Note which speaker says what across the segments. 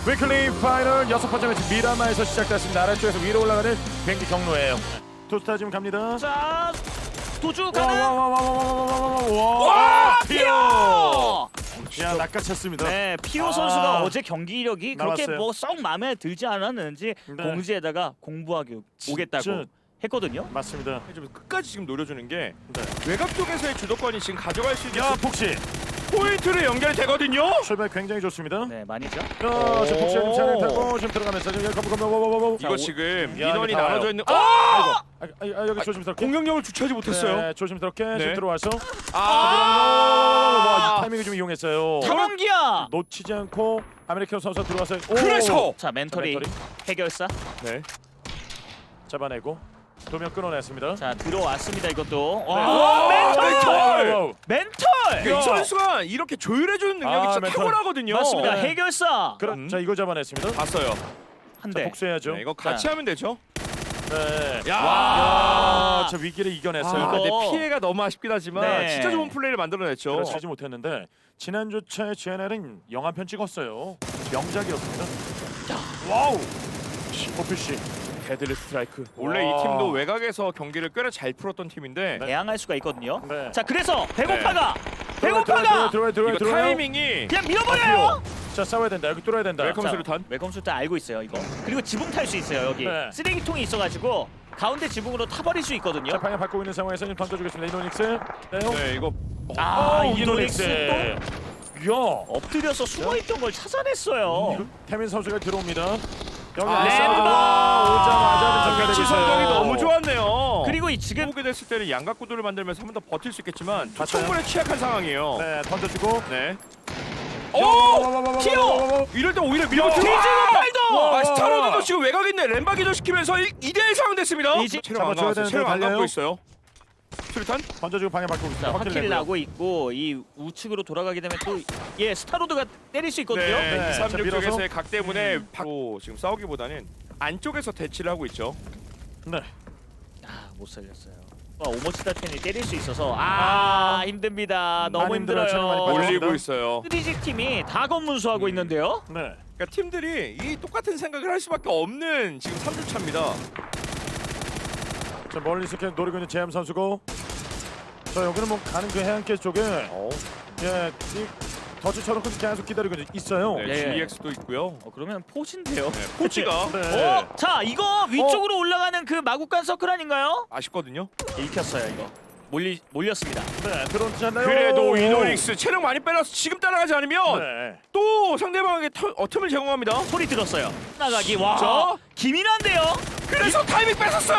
Speaker 1: 위클리 파이널 6번째 매치 미라마에서 시작됐습니다. 아래쪽에서 위로 올라가는 비행기 경로예요. 투스타 지금 갑니다.
Speaker 2: 자, 도주 가는.
Speaker 1: 와,
Speaker 2: 피오!
Speaker 1: 야, 낚아챘습니다.
Speaker 2: 네, 피오 선수가 어제 경기력이 그렇게
Speaker 1: 나왔어요.
Speaker 2: 뭐 썩 마음에 들지 않았는지
Speaker 1: 네.
Speaker 2: 공지에다가 공부하기 오겠다고
Speaker 1: 진짜.
Speaker 2: 했거든요.
Speaker 1: 맞습니다.
Speaker 3: 좀 끝까지 지금 노려주는 게
Speaker 1: 네.
Speaker 3: 외곽 쪽에서의 주도권이 지금 가져갈 수 있는
Speaker 1: 야,
Speaker 3: 그
Speaker 1: 폭시
Speaker 3: 포인트로 연결이 되거든요.
Speaker 1: 출발 굉장히 좋습니다.
Speaker 2: 네, 많이죠.
Speaker 1: 지금 폭시 지금 차량 타고 지금 들어가면서 지금 검.
Speaker 3: 이거 지금
Speaker 1: 야,
Speaker 3: 인원이
Speaker 1: 이게 다
Speaker 3: 나눠져
Speaker 1: 와요.
Speaker 3: 있는
Speaker 1: 여기 조심스럽게.
Speaker 3: 공격력을 주체하지 못했어요.
Speaker 1: 네, 조심스럽게
Speaker 3: 네.
Speaker 1: 지금 들어와서. 와,
Speaker 3: 아,
Speaker 1: 이 타이밍을 좀 이용했어요.
Speaker 2: 탐험기야.
Speaker 1: 놓치지 않고 아메리칸 선수 들어와서.
Speaker 3: 그래서
Speaker 2: 자, 멘토리 해결사.
Speaker 3: 네.
Speaker 1: 잡아내고 2명 끊어냈습니다.
Speaker 2: 자, 들어왔습니다. 이것도.
Speaker 3: 와,
Speaker 2: 와, 멘토리.
Speaker 1: 와우.
Speaker 2: 멘토.
Speaker 3: 이 선수가 이렇게 조율해주는 능력이 진짜
Speaker 1: 멘탈.
Speaker 3: 탁월하거든요.
Speaker 2: 맞습니다.
Speaker 1: 네.
Speaker 2: 해결사.
Speaker 1: 자, 이거 잡아냈습니다.
Speaker 3: 봤어요.
Speaker 2: 한
Speaker 1: 자,
Speaker 2: 대.
Speaker 1: 복수해야죠.
Speaker 3: 네, 이거 같이
Speaker 2: 자.
Speaker 3: 하면 되죠.
Speaker 1: 네.
Speaker 2: 와.
Speaker 1: 저 위기를 이겨냈어요.
Speaker 3: 아,
Speaker 2: 이거.
Speaker 3: 근데 피해가 너무 아쉽긴 하지만
Speaker 2: 네.
Speaker 3: 진짜 좋은 플레이를 만들어냈죠.
Speaker 1: 그렇지 못했는데 지난주차에 GNL은 영화편 찍었어요. 명작이었습니다. 와우. 오피씨.
Speaker 3: 데들리 스트라이크. 원래
Speaker 1: 와.
Speaker 3: 이 팀도 외곽에서 경기를 꽤나 잘 풀었던 팀인데
Speaker 2: 대항할 수가 있거든요.
Speaker 1: 네.
Speaker 2: 자, 그래서 배고파가
Speaker 1: 들어와요.
Speaker 3: 이거 타이밍이
Speaker 2: 그냥 밀어버려요.
Speaker 1: 자, 싸워야 된다. 여기 뚫어야 된다.
Speaker 3: 웰컴
Speaker 2: 자,
Speaker 3: 수류탄.
Speaker 2: 웰컴 수류탄 알고 있어요, 이거. 그리고 지붕 탈 수 있어요, 여기.
Speaker 1: 네.
Speaker 2: 쓰레기통이 있어가지고 가운데 지붕으로 타버릴 수 있거든요.
Speaker 1: 자, 방향 바꾸고 있는 상황에서 지금 던져주겠습니다. 이노닉스. 네.
Speaker 3: 네, 이거
Speaker 2: 이노닉스 또
Speaker 1: 야.
Speaker 2: 엎드려서 숨어있던 걸 찾아냈어요.
Speaker 1: 태민 선수가 들어옵니다. 여기
Speaker 3: 아,
Speaker 1: 오자마자
Speaker 3: 위치 선정이 너무 좋았네요.
Speaker 2: 그리고 이 지금
Speaker 3: 보게 됐을 때는 양각 구도를 만들면서 한 번 더 버틸 수 있겠지만
Speaker 1: 봤어요?
Speaker 3: 충분히 취약한 상황이에요.
Speaker 1: 네, 던져주고.
Speaker 3: 네.
Speaker 2: 키오!
Speaker 3: 이럴 때 오히려 밀고
Speaker 2: 뒤지고 팔도!
Speaker 3: 스타로드도 지금 외곽에 있는 램바 기절시키면서 2대1 상황 됐습니다.
Speaker 2: 이제
Speaker 3: 체력 안
Speaker 1: 잡아줘야
Speaker 3: 나왔어요. 체력 안
Speaker 1: 되는데
Speaker 3: 갖고
Speaker 1: 달려요?
Speaker 3: 있어요. 수류탄?
Speaker 1: 던져주고 방향 바꾸고
Speaker 2: 자,
Speaker 1: 있습니다.
Speaker 2: 확킬을
Speaker 1: 내고요.
Speaker 2: 나고 있고 이 우측으로 돌아가게 되면 또 스타로드가 때릴 수 있거든요.
Speaker 3: 네,
Speaker 1: 네,
Speaker 3: 236
Speaker 1: 자, 밀어서.
Speaker 3: 쪽에서의 각 때문에 바로 지금 싸우기보다는 안쪽에서 대치를 하고 있죠.
Speaker 1: 네.
Speaker 2: 못 살렸어요. 오모치다 텐이 때릴 수 있어서 힘듭니다. 너무
Speaker 1: 많이 힘들어요. 체력 많이
Speaker 2: 힘들어요.
Speaker 1: 빠졌습니다.
Speaker 3: 올리고 있어요.
Speaker 2: 스리직 팀이 다 검문수하고 있는데요.
Speaker 1: 네.
Speaker 3: 그러니까 팀들이 이 똑같은 생각을 할 수밖에 없는 지금 3주차입니다.
Speaker 1: 자, 멀리서 이렇게 노리고 있는 제암 선수고. 자, 여기는 뭐 가는 그 해안길 쪽에 예, 이 더치처럼 계속 기다리고 있어요.
Speaker 3: 네,
Speaker 2: 네.
Speaker 3: GX도 있고요.
Speaker 2: 그러면 포진데요.
Speaker 3: 네, 포치가
Speaker 1: 네.
Speaker 2: 자, 이거 위쪽으로 올라가는 그 마구간 서클 아닌가요?
Speaker 3: 아쉽거든요.
Speaker 2: 읽혔어요, 이거. 몰렸습니다.
Speaker 1: 네, 들어오지 않나요?
Speaker 3: 그래도 이노닉스 체력 많이 빼놔서 지금 따라가지 않으면
Speaker 1: 네.
Speaker 3: 또 상대방에게 틈을 제공합니다.
Speaker 2: 소리 들었어요. 나가기.
Speaker 3: 진짜?
Speaker 2: 와, 기민한데요.
Speaker 3: 그래서 타이밍 뺏었어요.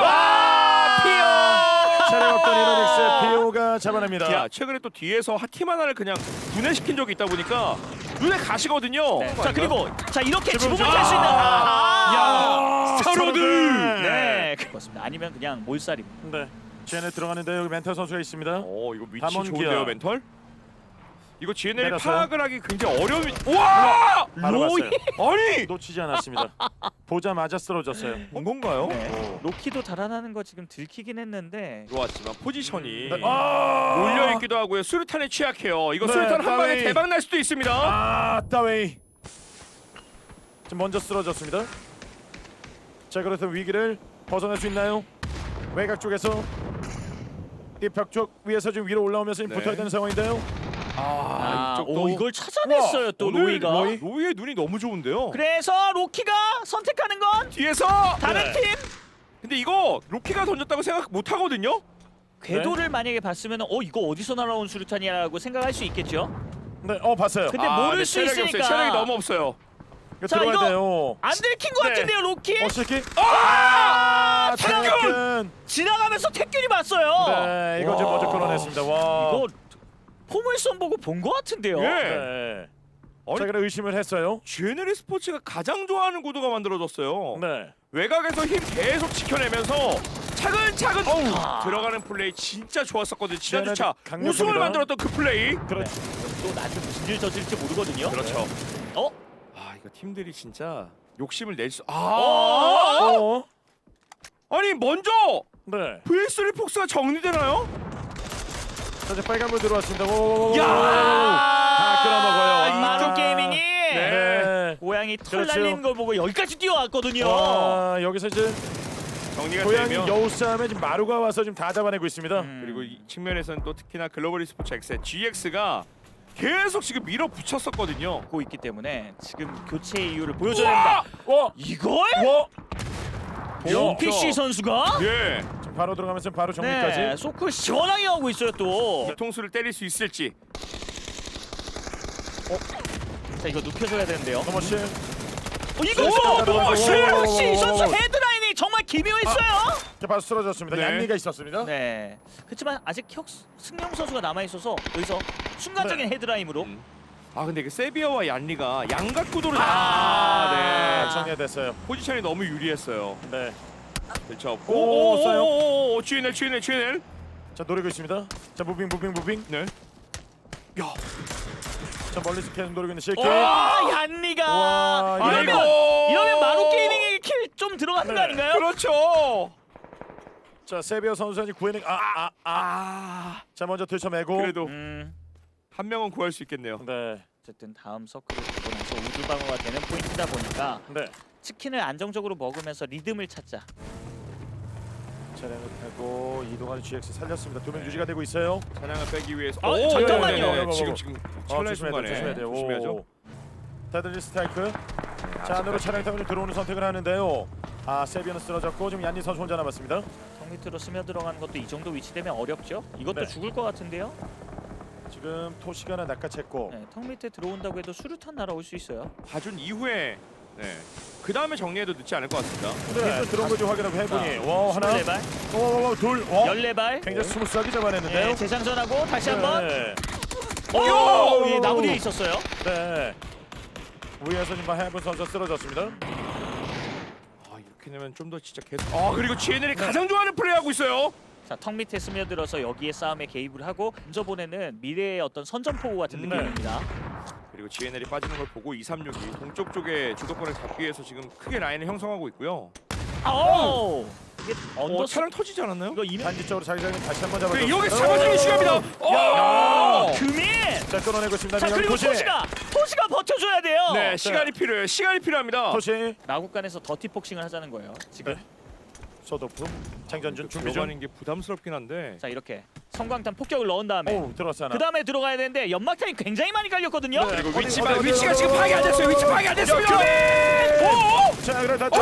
Speaker 2: 피오!
Speaker 1: 차량 없던 이노닉스 피오가 잡아냅니다.
Speaker 3: 야, 최근에 또 뒤에서 팀 하나를 그냥 분해시킨 적이 있다 보니까 눈에 가시거든요.
Speaker 2: 네. 자, 그리고 자, 이렇게
Speaker 1: 지붕
Speaker 2: 지붕을 탈 수 있는
Speaker 1: 야,
Speaker 3: 스타로드!
Speaker 2: 네, 그렇습니다. 아니면 그냥 몰살입니다.
Speaker 1: 네. GNL 들어가는데 여기 멘탈 선수가 있습니다.
Speaker 3: 이거 위치
Speaker 1: 담원기아.
Speaker 3: 좋은데요, 멘털? 이거 GNL
Speaker 1: 내렸어요.
Speaker 3: 파악을 하기 굉장히 어려운. 와!
Speaker 1: 바로
Speaker 2: 로이!
Speaker 1: 봤어요.
Speaker 3: 아니!
Speaker 1: 놓치지 않았습니다. 보자마자 쓰러졌어요.
Speaker 3: 본 건가요?
Speaker 2: 네. 로키도 달아나는 거 지금 들키긴 했는데
Speaker 3: 좋았지만 포지션이
Speaker 1: 네.
Speaker 3: 몰려 있기도 하고요. 수류탄에 취약해요. 이거
Speaker 1: 네,
Speaker 3: 수류탄 한 방에
Speaker 1: 따위.
Speaker 3: 대박 날 수도 있습니다.
Speaker 1: 따웨이. 지금 먼저 쓰러졌습니다. 자, 그래서 위기를 벗어날 수 있나요? 외곽 쪽에서 이 벽 쪽 위에서 지금 위로 올라오면서 지금
Speaker 3: 네.
Speaker 1: 붙어야 되는 상황인데요.
Speaker 3: 이쪽도
Speaker 2: 이걸 찾아냈어요. 또
Speaker 3: 오늘
Speaker 2: 로이가.
Speaker 3: 로이의 눈이 너무 좋은데요.
Speaker 2: 그래서 로키가 선택하는 건
Speaker 3: 뒤에서
Speaker 2: 다른
Speaker 1: 네.
Speaker 2: 팀
Speaker 3: 근데 이거 로키가 던졌다고 생각 못 하거든요.
Speaker 2: 궤도를 만약에 봤으면 이거 어디서 날아온 수류탄이라고 생각할 수 있겠죠.
Speaker 1: 네, 봤어요.
Speaker 2: 근데 모를 수
Speaker 3: 체력이
Speaker 2: 있으니까.
Speaker 3: 없어요. 체력이 너무 없어요.
Speaker 1: 이거
Speaker 2: 자,
Speaker 1: 들어가야
Speaker 2: 이거
Speaker 1: 돼요.
Speaker 2: 안 들킨 것
Speaker 3: 네.
Speaker 2: 같은데요, 로키.
Speaker 1: 실기?
Speaker 2: 태균!
Speaker 1: 태균!
Speaker 2: 지나가면서 태균이 봤어요.
Speaker 1: 네, 이거 지금
Speaker 3: 와.
Speaker 1: 먼저 끌어냈습니다. 와.
Speaker 2: 이거 포물선 보고 본 것 같은데요.
Speaker 3: 예.
Speaker 1: 네.
Speaker 3: 아니,
Speaker 1: 자, 그래 의심을 했어요.
Speaker 3: GNL 스포츠가 가장 좋아하는 구도가 만들어졌어요.
Speaker 1: 네.
Speaker 3: 외곽에서 힘 계속 지켜내면서 차근차근 들어가는 플레이 진짜 좋았었거든요. 지난주차
Speaker 1: 강력합니다.
Speaker 3: 우승을 만들었던 그 플레이.
Speaker 1: 그렇죠.
Speaker 2: 또 나한테 무슨 일 저질지 모르거든요.
Speaker 3: 그렇죠.
Speaker 2: 어?
Speaker 3: 이거 팀들이 진짜 욕심을 낼 수. 아니 먼저
Speaker 1: 네.
Speaker 3: V3 폭스가 정리되나요?
Speaker 1: 자, 이제 빨간불 들어왔습니다. 오.
Speaker 3: 야!
Speaker 1: 다 끌어먹어요.
Speaker 2: 마루 게이밍이
Speaker 1: 네.
Speaker 2: 고양이 고양이 털
Speaker 1: 그렇죠.
Speaker 2: 날리는 걸 보고 여기까지 뛰어왔거든요.
Speaker 1: 와, 여기서 이제
Speaker 3: 정리가
Speaker 1: 고양이
Speaker 3: 되면
Speaker 1: 여우 싸움에 지금 마루가 와서 지금 다 잡아내고 있습니다.
Speaker 3: 그리고 이 측면에서는 또 특히나 글로벌 e스포츠 X의 GX가 계속 지금 밀어붙였었거든요.
Speaker 2: 고 있기 때문에 지금 교체의 이유를 보여줘야 됩니다.
Speaker 1: 와,
Speaker 2: 이걸?
Speaker 1: 와,
Speaker 2: PC 선수가?
Speaker 3: 예.
Speaker 1: 지금 바로 들어가면서 바로 정리까지.
Speaker 2: 네, 소클 시원하게 하고 있어요 또.
Speaker 3: 뒤통수를 때릴 수 있을지.
Speaker 2: 자 이거 눕혀줘야 되는데요.
Speaker 1: 노머씨.
Speaker 2: 이거
Speaker 1: 오,
Speaker 2: 노머시!
Speaker 1: 오,
Speaker 2: 역시 이 선수
Speaker 1: 오.
Speaker 2: 헤드라인이 정말 기묘했어요.
Speaker 1: 자, 바로 쓰러졌습니다.
Speaker 2: 네.
Speaker 1: 얀리가 있었습니다.
Speaker 2: 네. 그렇지만 아직 승용 선수가 남아 있어서 여기서 순간적인 헤드라인으로.
Speaker 3: 아 근데 그 세비어와 얀리가 양각구도를
Speaker 1: 네,
Speaker 3: 네.
Speaker 1: 정리됐어요.
Speaker 3: 포지션이 너무 유리했어요.
Speaker 1: 네.
Speaker 3: 그렇죠.
Speaker 1: 오, 싸요.
Speaker 3: 오오오오 GNL.
Speaker 1: 자, 노리고 있습니다. 자, 무빙.
Speaker 3: 네. 야.
Speaker 1: 자, 멀리서 계속 노리고 있는 실키.
Speaker 2: 와 얀리가
Speaker 1: 와,
Speaker 2: 이러면 마루 게이밍의 킬 좀 들어가는 거
Speaker 1: 네.
Speaker 2: 아닌가요?
Speaker 3: 그렇죠.
Speaker 1: 자, 세비어 선수가 지금 구해낸 자, 먼저 들쳐매고.
Speaker 3: 그래도
Speaker 2: 음,
Speaker 3: 한 명은 구할 수 있겠네요.
Speaker 1: 네.
Speaker 2: 어쨌든 다음 서클을 보고 나서 우드 방어가 되는 포인트다 보니까
Speaker 1: 네.
Speaker 2: 치킨을 안정적으로 먹으면서 리듬을 찾자.
Speaker 1: 차량을 타고 이동하는 GX 살렸습니다. 2명 유지가 되고 있어요.
Speaker 3: 사냥을 빼기 위해서.
Speaker 2: 아,
Speaker 3: 오,
Speaker 2: 잠깐만요.
Speaker 3: 네네네. 지금 찰나의
Speaker 1: 조심해야
Speaker 3: 순간에
Speaker 1: 조심해야 돼요.
Speaker 3: 조심해야죠.
Speaker 1: 데들리 스트라이크. 자, 안으로 차량 타고 좀 들어오는 선택을 하는데요. 아, 세비어는 쓰러졌고 지금 얀니 선수 혼자 남았습니다.
Speaker 2: 턱 밑으로 스며 들어가는 것도 이 정도 위치 되면 어렵죠. 이것도
Speaker 1: 네.
Speaker 2: 죽을 것 같은데요.
Speaker 1: 지금 토시가 하나 낚아챘고.
Speaker 2: 네, 턱 밑에 들어온다고 해도 수류탄 날아올 수 있어요.
Speaker 3: 봐준 이후에 그 다음에 정리해도 늦지 않을 것 같습니다.
Speaker 1: 네, 들어온 거좀 확인하고 해보니. 와, 하나.
Speaker 2: 24발,
Speaker 1: 와, 둘. 와.
Speaker 2: 14발.
Speaker 1: 굉장히 스무스하게 잡아냈는데요.
Speaker 2: 네, 재장전하고 다시 한번.
Speaker 1: 네.
Speaker 2: 오, 예, 나무 뒤에 있었어요.
Speaker 1: 네. 위에서 지금 해본 선수 쓰러졌습니다.
Speaker 3: 아 이렇게 되면 좀 더 진짜 계속. 아 그리고 GNL이 가장 좋아하는 플레이하고 있어요.
Speaker 2: 자, 턱 밑에 스며들어서 여기에 싸움에 개입을 하고 먼저 보내는 미래의 어떤 선전포고 같은
Speaker 1: 네.
Speaker 2: 느낌입니다.
Speaker 3: 그리고 GNL이 빠지는 걸 보고 236이 동쪽 쪽에 주도권을 잡기 위해서 지금 크게 라인을 형성하고 있고요.
Speaker 2: 오! 이게 언더
Speaker 3: 차량 터지지 않았나요?
Speaker 2: 이거 이면
Speaker 1: 단지적으로 자기장이 다시 한번 잡아줬습니다.
Speaker 3: 그래 여기 잡아주기 중요합니다. 오!
Speaker 2: 금인!
Speaker 1: 자, 끊어내고 있습니다.
Speaker 2: 자, 그리고 토시가 버텨줘야 돼요.
Speaker 3: 네 시간이 필요해요. 시간이 필요합니다.
Speaker 1: 토시.
Speaker 2: 나국간에서 더티 폭싱을 하자는 거예요. 지금.
Speaker 1: 네. 소도프. 장전준 준비 중.
Speaker 3: 들어가는 게 부담스럽긴 한데.
Speaker 2: 자, 이렇게 성광탄 폭격을 넣은 다음에
Speaker 1: 오, 들어왔어 하나.
Speaker 2: 그 다음에 들어가야 되는데 연막탄이 굉장히 많이 깔렸거든요.
Speaker 1: 네.
Speaker 3: 그리고
Speaker 1: 어디,
Speaker 3: 위치가 지금 파악이 안 됐어요. 위치 파악이 안 됐어요.
Speaker 1: 오! 자, 그래 다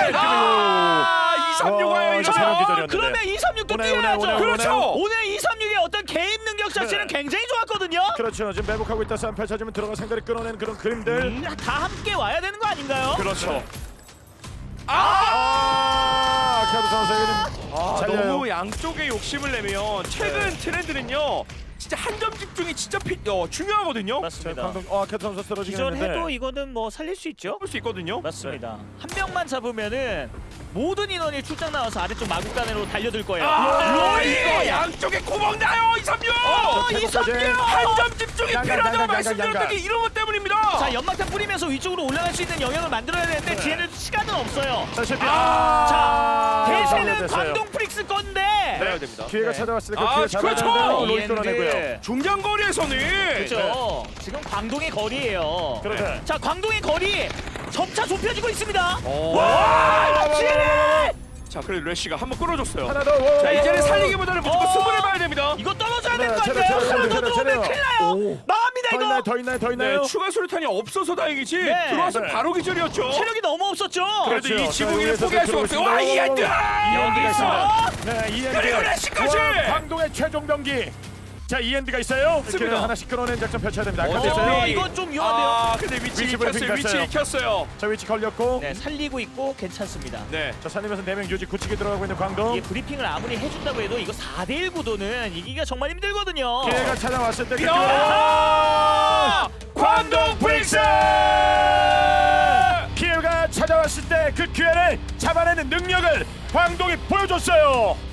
Speaker 3: 아 236 와요
Speaker 1: 와,
Speaker 3: 이거.
Speaker 1: 자, 세명 기절이었는데.
Speaker 2: 그러면 236도
Speaker 1: 오네,
Speaker 2: 뛰어야죠.
Speaker 1: 오네, 오네,
Speaker 3: 그렇죠.
Speaker 2: 오늘 236의 어떤 개입 능력 자체는
Speaker 1: 네.
Speaker 2: 굉장히 좋았거든요.
Speaker 1: 그렇죠. 지금 매복하고 있다. 싸움 펼쳐지면 들어가 상대를 끌어내는 그런 그림들.
Speaker 2: 다 함께 와야 되는 거 아닌가요?
Speaker 1: 그렇죠.
Speaker 3: 아!
Speaker 1: 캐드 선수에게 좀 잘려요.
Speaker 3: 너무 양쪽에 욕심을 내면 최근 트렌드는요. 진짜 한 점 집중이 진짜 중요하거든요.
Speaker 1: 자,
Speaker 2: 맞습니다.
Speaker 1: 방금 캐드 선수 쓰러지긴
Speaker 2: 기존해도
Speaker 1: 했는데.
Speaker 2: 이거는 뭐 살릴 수 있죠.
Speaker 3: 볼 수 있거든요.
Speaker 2: 맞습니다. 한 명만 잡으면은 모든 인원이 출장 나와서 아래쪽 마구간으로 달려들 거예요.
Speaker 3: 아,
Speaker 2: 로이!
Speaker 3: 이거 양쪽에 구멍 나요 236.
Speaker 1: 캐드까지.
Speaker 3: 한 점 집중이
Speaker 1: 양각,
Speaker 3: 필요하다고
Speaker 1: 양각,
Speaker 3: 말씀드렸던
Speaker 1: 양각.
Speaker 3: 게 이런 것 때문입니다.
Speaker 2: 자, 연막탄 뿌리면서 위쪽으로 올라갈 수 있는 영역을 만들어야 되는데
Speaker 1: 네.
Speaker 2: 뒤에는 시간은 없어요.
Speaker 1: 자, 실패.
Speaker 2: 자, 대세는
Speaker 1: 됐어요.
Speaker 2: 광동 프릭스 건데.
Speaker 3: 해야 됩니다.
Speaker 1: 기회가
Speaker 2: 네.
Speaker 1: 찾아왔을 때 그
Speaker 3: 아,
Speaker 1: 기회 잡아야
Speaker 3: 그렇죠.
Speaker 1: 되는데 로이
Speaker 2: 이엔드.
Speaker 1: 끌어내고요.
Speaker 3: 중장거리에서는
Speaker 2: 그렇죠. 지금 광동의 거리예요.
Speaker 1: 그렇죠.
Speaker 2: 자, 광동의 거리 점차 좁혀지고 있습니다.
Speaker 3: 와!
Speaker 2: 지뢰!
Speaker 3: 자, 그래 래쉬가 한번 끌어줬어요.
Speaker 1: 하나 더.
Speaker 3: 자, 이제는 살리기보다는 무조건
Speaker 2: 어.
Speaker 3: 승부를 봐야 됩니다.
Speaker 2: 이거 떨어져야
Speaker 1: 네,
Speaker 2: 될 것
Speaker 1: 차려,
Speaker 2: 같아요.
Speaker 1: 차려,
Speaker 2: 하나 더
Speaker 1: 차려,
Speaker 2: 들어오면
Speaker 1: 차려.
Speaker 2: 큰일 나요.
Speaker 3: 오.
Speaker 2: 나갑니다 이거.
Speaker 1: 더 있나요?
Speaker 3: 네, 추가 수류탄이 없어서 다행이지.
Speaker 2: 네.
Speaker 3: 들어와서
Speaker 1: 네.
Speaker 3: 바로 기절이었죠.
Speaker 2: 체력이 너무 없었죠.
Speaker 3: 그래도
Speaker 1: 그렇죠.
Speaker 3: 이 지붕이를
Speaker 1: 자,
Speaker 3: 포기할 수가 없어요. 와,
Speaker 1: 여기서
Speaker 3: 이엔드!
Speaker 2: 여기서
Speaker 1: 네, 이엔드.
Speaker 3: 그리고 래쉬까지!
Speaker 1: 광동의 최종 병기. 자, 이엔드가 있어요.
Speaker 3: 있습니다.
Speaker 1: 이렇게 하나씩 끌어낸 작전 펼쳐야 됩니다.
Speaker 3: 어디
Speaker 1: 아까
Speaker 3: 있어요?
Speaker 1: 됐어요.
Speaker 2: 이건 좀 위험한데요.
Speaker 3: 아, 근데 위치
Speaker 1: 위치
Speaker 3: 익혔어요.
Speaker 1: 브리핑
Speaker 3: 위치
Speaker 1: 갔어요.
Speaker 3: 익혔어요.
Speaker 1: 자, 위치 걸렸고.
Speaker 2: 네, 살리고 있고 괜찮습니다.
Speaker 3: 네.
Speaker 1: 자, 살리면서 4명 유지 굳히게 들어가고 있는 광동.
Speaker 2: 이게 브리핑을 아무리 해준다고 해도 이거 4대1 구도는 이기기가 정말 힘들거든요.
Speaker 1: 기회가 찾아왔을 때 그
Speaker 3: 야! 광동 프릭스!
Speaker 1: 기회가 찾아왔을 때 그 기회를 잡아내는 능력을 광동이 보여줬어요.